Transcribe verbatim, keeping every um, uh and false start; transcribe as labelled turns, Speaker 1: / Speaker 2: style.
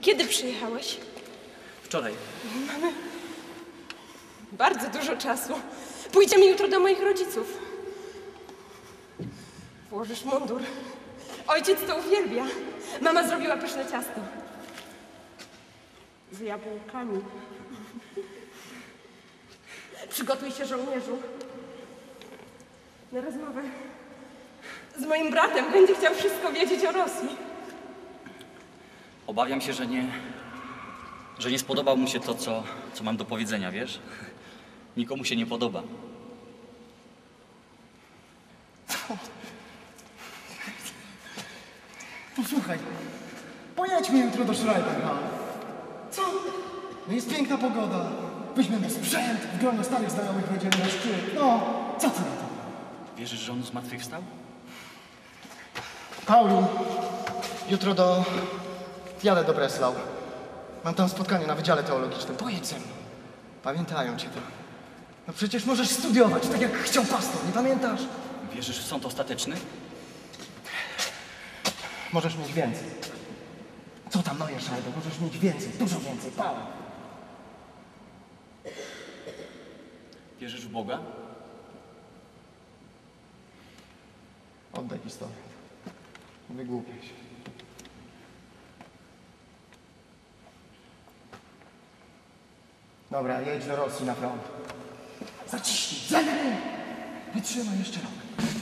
Speaker 1: Kiedy przyjechałeś?
Speaker 2: Wczoraj.
Speaker 1: Mamy bardzo dużo czasu. Pójdziemy jutro do moich rodziców. Włożysz mundur. Ojciec to uwielbia. Mama zrobiła pyszne ciasto. Z jabłkami. Przygotuj się, żołnierzu. Na rozmowę z moim bratem. Będzie chciał wszystko wiedzieć o Rosji.
Speaker 2: Obawiam się, że nie... że nie spodobał mu się to, co, co mam do powiedzenia, wiesz? Nikomu się nie podoba.
Speaker 3: Posłuchaj, pojedźmy jutro do Schreiberha.
Speaker 1: Co?
Speaker 3: No jest piękna pogoda. Weźmiemy sprzęt, w gronie starych znajomych wejdziemy na szczyt. No, co ty na to?
Speaker 2: Wierzysz, że on zmartwychwstał?
Speaker 3: Paulu, jutro do... jadę do Breslau. Mam tam spotkanie na Wydziale Teologicznym. Pojedź ze mną. Pamiętają cię tam. No przecież możesz studiować, tak jak chciał pastor, nie pamiętasz?
Speaker 2: Wierzysz w sąd ostateczny?
Speaker 3: Możesz mieć więcej. Co tam, Neue Scheibe? Możesz mieć więcej, dużo więcej, Paul.
Speaker 2: Wierzysz w Boga?
Speaker 3: Oddaj pistolet. Nie wygłupiaj się. Dobra, jedź do Rosji na front. Zaciśnij, zajmij! Wytrzymaj jeszcze rok.